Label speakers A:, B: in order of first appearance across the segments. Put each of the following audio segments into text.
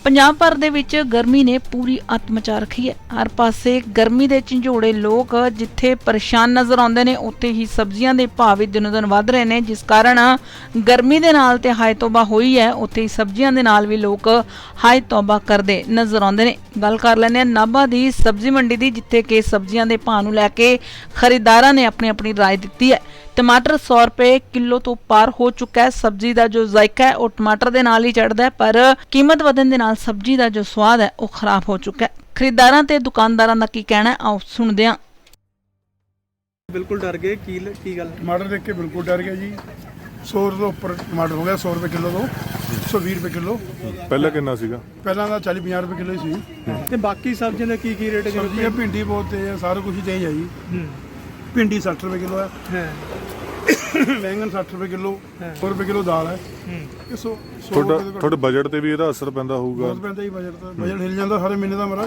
A: ਪੰਜਾਬ ਭਰ ਦੇ ਵਿੱਚ ਗਰਮੀ ਨੇ ਪੂਰੀ ਅੱਤ ਮਚਾ ਰੱਖੀ ਹੈ। ਹਰ ਪਾਸੇ ਗਰਮੀ ਦੇ ਝੰਜੋੜੇ ਲੋਕ ਜਿੱਥੇ ਪਰੇਸ਼ਾਨ ਨਜ਼ਰ ਆਉਂਦੇ ਨੇ, ਉੱਥੇ ਹੀ ਸਬਜ਼ੀਆਂ ਦੇ ਭਾਅ ਵੀ ਦਿਨੋਂ ਦਿਨ ਵੱਧ ਰਹੇ ਨੇ, ਜਿਸ ਕਾਰਨ ਗਰਮੀ ਦੇ ਨਾਲ ਤੇ ਹਾਏ ਤੌਬਾ ਹੋਈ ਹੈ, ਉੱਥੇ ਹੀ ਸਬਜ਼ੀਆਂ ਦੇ ਨਾਲ ਵੀ ਲੋਕ ਹਾਏ ਤੌਬਾ ਕਰਦੇ ਨਜ਼ਰ ਆਉਂਦੇ ਨੇ। ਗੱਲ ਕਰ ਲੈਂਦੇ ਹਾਂ ਨਾਭਾ ਦੀ ਸਬਜ਼ੀ ਮੰਡੀ ਦੀ, ਜਿੱਥੇ ਕਿ ਸਬਜ਼ੀਆਂ ਦੇ ਭਾਅ ਨੂੰ ਲੈ ਕੇ ਖਰੀਦਦਾਰਾਂ ਨੇ ਆਪਣੀ ਰਾਏ ਦਿੱਤੀ ਹੈ। टमाटर 100 रुपए किलो तो पार हो चुका है। सब्जी का जो जायका है वो टमाटर के नाल ही चढ़ता है, पर कीमत वधन दे नाल सब्जी का जो स्वाद है वो खराब हो चुका है। खरीदारां ते दुकानदारां दा की कहना है, आओ सुनदे हां।
B: बिल्कुल डर गए की गल?
C: टमाटर देख के बिल्कुल डर गया जी। 100 ਤੋਂ ਉੱਪਰ ਟਮਾਟਰ ਹੋ ਗਿਆ, 100 ਰੁਪਏ ਕਿਲੋ ਤੋਂ 120 ਰੁਪਏ ਕਿਲੋ।
D: ਪਹਿਲਾਂ ਕਿੰਨਾ ਸੀਗਾ?
C: ਪਹਿਲਾਂ ਦਾ 40-50 ਰੁਪਏ ਕਿਲੋ ਹੀ ਸੀ।
B: ਤੇ ਬਾਕੀ ਸਬਜ਼ੀਆਂ ਦਾ ਕੀ ਰੇਟ ਹੈ?
C: ਸਬਜ਼ੀਆਂ ਭਿੰਡੀ ਬਹੁਤ ਤੇਜ਼ ਹੈ, ਸਾਰਾ ਕੁਝ ਹੀ ਤੇਜ਼ ਹੈ ਜੀ। ਭਿੰਡੀ 60 ਰੁਪਏ ਕਿਲੋ ਹੈ, बैंगन 60 रुपए किलो, 100 रुपए किलो दाल है।
D: ਤੁਹਾਡੇ ਬਜਟ ਤੇ ਵੀ ਇਹਦਾ ਅਸਰ ਪੈਂਦਾ ਹੋਊਗਾ?
C: ਬਹੁਤ ਪੈਂਦਾ ਜੀ ਬਜਟ ਤੇ। ਬਜਟ ਹਿਲ ਜਾਂਦਾ ਸਾਰੇ ਮਹੀਨੇ ਦਾ ਮੇਰਾ।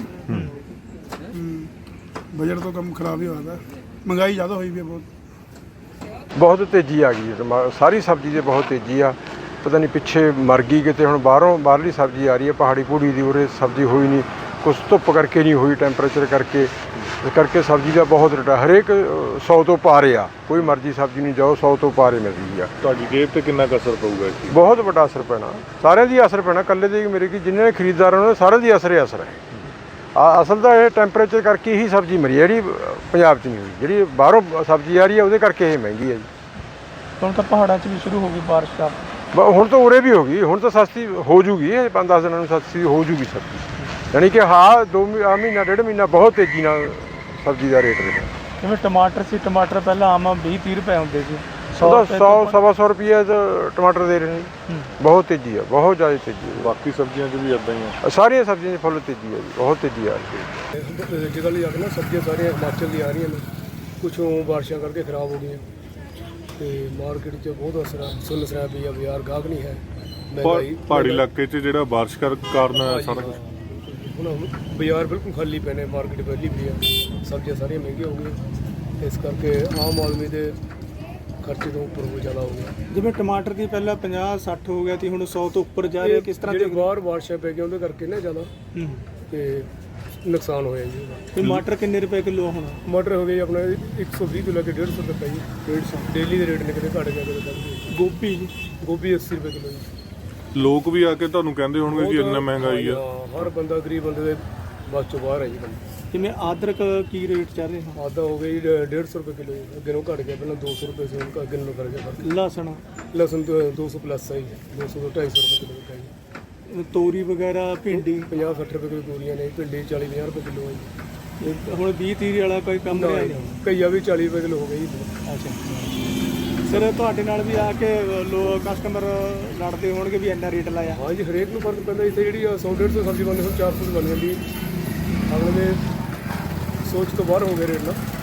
C: ਬਜਟ ਤੋਂ ਕੰਮ ਖਰਾਬ ਹੀ ਹੋਇਆ, ਮਹਿੰਗਾਈ ਜ਼ਿਆਦਾ ਹੋਈ ਵੀ
E: ਬਹੁਤ ਤੇਜ਼ੀ ਆ ਗਈ ਹੈ। ਸਾਰੀ ਸਬਜ਼ੀ ਦੇ ਬਹੁਤ ਤੇਜ਼ੀ ਆ। ਪਤਾ ਨਹੀਂ ਪਿੱਛੇ ਮਰ ਗਈ ਕਿਤੇ, ਹੁਣ ਬਾਹਰਲੀ ਸਬਜ਼ੀ ਆ ਰਹੀ ਹੈ, ਪਹਾੜੀ ਪੂੜੀ ਦੀ। ਉਰੇ ਸਬਜ਼ੀ ਹੋਈ ਨਹੀਂ, ਕੁਛ ਧੁੱਪ ਕਰਕੇ ਨਹੀਂ ਹੋਈ, ਟੈਂਪਰੇਚਰ ਕਰਕੇ। ਇਸ ਕਰਕੇ ਸਬਜ਼ੀ ਦਾ ਬਹੁਤ ਰੇਟ ਆ। ਹਰੇਕ 100 ਤੋਂ ਪਾਰੇ ਆ, ਕੋਈ ਮਰਜ਼ੀ ਸਬਜ਼ੀ ਨਹੀਂ ਜਾਓ, 100 ਤੋਂ ਪਾਰੇ ਮਿਲ ਰਹੀ ਆ।
D: ਤੁਹਾਡੀ ਜੇਬ ਤੇ ਕਿੰਨਾ ਕੁ ਅਸਰ ਪਊਗਾ ਇਸ ਚੀਜ਼?
E: ਬਹੁਤ ਵੱਡਾ ਅਸਰ ਪੈਣਾ, ਸਾਰਿਆਂ ਦੀ ਅਸਰ ਪੈਣਾ, ਇਕੱਲੇ ਦੇ ਮੇਰੇ ਕੀ ਜਿੰਨੇ ਨੇ ਖਰੀਦਦਾਰ ਉਹਨਾਂ ਸਾਰਿਆਂ ਦੀ ਅਸਰ ਹੈ। ਅਸਲ ਦਾ ਇਹ ਟੈਂਪਰੇਚਰ ਕਰਕੇ ਹੀ ਸਬਜ਼ੀ ਮਰੀ, ਜਿਹੜੀ ਪੰਜਾਬ 'ਚ ਨਹੀਂ ਹੋਈ। ਜਿਹੜੀ ਬਾਹਰੋਂ ਸਬਜ਼ੀ ਆ ਰਹੀ ਹੈ ਉਹਦੇ ਕਰਕੇ ਇਹ ਮਹਿੰਗੀ ਹੈ ਜੀ।
B: ਹੁਣ ਤਾਂ ਪਹਾੜਾਂ 'ਚ ਵੀ ਸ਼ੁਰੂ ਹੋ ਗਈ ਬਾਰਿਸ਼ ਦਾ।
E: ਹੁਣ ਤਾਂ ਉਰੇ ਵੀ ਹੋ ਗਈ, ਹੁਣ ਤਾਂ ਸਸਤੀ ਹੋ ਜੂਗੀ। 5-10 ਦਿਨਾਂ ਨੂੰ ਸਸਤੀ ਹੋ ਜੂਗੀ ਸਬਜ਼ੀ। ਯਾਨੀ ਕਿ ਹਾਂ 2 ਮਹੀਨਾ 1.5 ਮਹੀਨਾ ਬਹੁਤ ਤੇਜ਼ੀ ਨਾਲ ਸਬਜ਼ੀ ਦਾ ਰੇਟ ਰਿਹਾ।
B: ਜਿਵੇਂ ਟਮਾਟਰ ਸੀ, ਟਮਾਟਰ ਪਹਿਲਾਂ ਆਮ 20-30 ਰੁਪਏ ਹੁੰਦੇ ਸੀ,
E: 100-125 ਰੁਪਏ ਟਮਾਟਰ ਦੇ ਰਹੇ ਨੇ। ਬਹੁਤ ਤੇਜ਼ੀ ਆ, ਬਹੁਤ ਜ਼ਿਆਦਾ ਤੇਜ਼ੀ ਹੈ।
D: ਬਾਕੀ ਸਬਜ਼ੀਆਂ 'ਚ ਵੀ ਇੱਦਾਂ ਹੀ ਆ?
E: ਸਾਰੀਆਂ ਸਬਜ਼ੀਆਂ 'ਚ ਫੁੱਲ ਤੇਜ਼ੀ ਆ ਜੀ, ਬਹੁਤ ਤੇਜ਼ੀ ਆ ਰਹੀ ਹੈ।
C: ਜਗ੍ਹਾ ਲਈ ਆ ਕੇ ਨਾ ਸਬਜ਼ੀਆਂ ਸਾਰੀਆਂ ਹਿਮਾਚਲ ਦੀ ਆ ਰਹੀਆਂ ਨੇ, ਕੁਛ ਬਾਰਿਸ਼ਾਂ ਕਰਕੇ ਖਰਾਬ ਹੋ ਗਈਆਂ ਤੇ ਮਾਰਕੀਟ 'ਚ ਬਹੁਤ ਅਸਰ ਆ। ਸੁੰਨ ਸਰਾਬ ਵੀ ਆ, ਬਾਜ਼ਾਰ ਗਾਹਕ ਨਹੀਂ ਹੈ।
D: ਪਹਾੜੀ ਇਲਾਕੇ 'ਚ ਜਿਹੜਾ ਬਾਰਿਸ਼ ਕਾਰਨ ਸਾਰਾ ਕੁਝ
C: ਹੁਣ ਬਾਜ਼ਾਰ ਬਿਲਕੁਲ ਖਾਲੀ ਪਏ ਨੇ, ਮਾਰਕੀਟ ਪਹਿਲੀ ਵੀ ਆ, ਸਬਜ਼ੀਆਂ ਸਾਰੀਆਂ ਮਹਿੰਗੀਆਂ ਹੋ ਗਈਆਂ। ਇਸ ਕਰਕੇ ਆਮ ਆਦਮੀ ਦੇ ਖਰਚੇ ਤੋਂ ਉੱਪਰ ਹੋ ਜ਼ਿਆਦਾ ਹੋ ਗਿਆ।
B: ਜਿਵੇਂ ਟਮਾਟਰ ਦੀ ਪਹਿਲਾਂ 50-60 ਹੋ ਗਿਆ ਸੀ, ਹੁਣ 100 ਤੋਂ ਉੱਪਰ ਜਾ ਰਿਹਾ। ਕਿਸ ਤਰ੍ਹਾਂ ਦੇ
C: ਬਾਹਰ ਬਾਰਿਸ਼ਾਂ ਪੈ ਗਈਆਂ ਉਹਦੇ ਕਰਕੇ ਨਾ ਜ਼ਿਆਦਾ ਤੇ ਨੁਕਸਾਨ ਹੋਇਆ ਜੀ।
B: ਟਮਾਟਰ ਕਿੰਨੇ ਰੁਪਏ ਕਿਲੋ ਹੁਣ?
C: ਟਮਾਟਰ ਹੋ ਗਏ ਆਪਣਾ 120 ਤੋਂ ਲੈ ਕੇ 150 ਤੱਕ ਹੈ ਜੀ। 150 ਡੇਲੀ ਦੇ ਰੇਟ ਨੇ, ਕਿਤੇ ਘੱਟ ਗਿਆ ਕਿਤੇ ਵੱਧ।
B: ਗੋਭੀ ਜੀ?
C: ਗੋਭੀ 80 ਰੁਪਏ ਕਿਲੋ ਜੀ।
D: ਲੋਕ ਵੀ ਆ ਕੇ ਤੁਹਾਨੂੰ ਕਹਿੰਦੇ ਹੋਣਗੇ ਕਿ ਇੰਨਾ ਮਹਿੰਗਾਈ ਆ?
C: ਹਰ ਬੰਦਾ ਗਰੀਬ ਬੰਦੇ ਦੇ ਬਸ ਚੋਂ ਬਾਹਰ ਹੈ ਜੀ।
B: ਜਿਵੇਂ ਅਦਰਕ ਕੀ ਰੇਟ ਚੱਲ ਰਿਹਾ?
C: ਆਦਾ ਹੋ ਗਈ 150 ਰੁਪਏ ਕਿਲੋ ਜੀ। ਅੱਗੇ ਨੂੰ ਘੱਟ ਗਿਆ, ਪਹਿਲਾਂ 200 ਰੁਪਏ ਸੀ, ਹੁਣ ਅੱਗੇ ਨੂੰ ਕਰ ਗਿਆ।
B: ਲਸਣ?
C: ਲਸਣ 200 ਪਲੱਸ ਹੈ ਜੀ, 200 ਤੋਂ 250 ਰੁਪਏ ਕਿਲੋ ਵਿਕਦਾ ਜੀ।
B: ਤੋਰੀ ਵਗੈਰਾ, ਭਿੰਡੀ?
C: 50-60 ਰੁਪਏ ਕਿਲੋ ਤੋਰੀਆਂ ਨੇ, ਭਿੰਡੀ 40-50 ਰੁਪਏ ਕਿਲੋ ਹੈ ਜੀ।
B: ਹੁਣ 20-30 ਵਾਲਾ ਕੋਈ ਕੰਮ ਰਿਹਾ ਨਹੀਂ?
C: ਕਈਆ ਵੀ 40 ਰੁਪਏ ਕਿਲੋ ਹੋ ਗਈ ਜੀ।
B: ਅੱਛਾ ਸਰ, ਤੁਹਾਡੇ ਨਾਲ ਵੀ ਆ ਕੇ ਕਸਟਮਰ ਲੜਦੇ ਹੋਣਗੇ ਵੀ ਇੰਨਾ ਰੇਟ ਲਾਇਆ?
C: ਹਾਂ ਜੀ, ਹਰੇਕ ਨੂੰ ਫਰਕ ਪੈਂਦਾ। ਇੱਥੇ ਜਿਹੜੀ 100-150 ਸਬਜ਼ੀ ਬਣਦੀ, ਹੁਣ 400 ਬਣ ਜਾਂਦੀ। ਅਗਲੇ ਦੇ ਸੋਚ ਤੋਂ ਬਾਹਰ ਹੋ ਗਏ ਰੇਟ ਨਾ।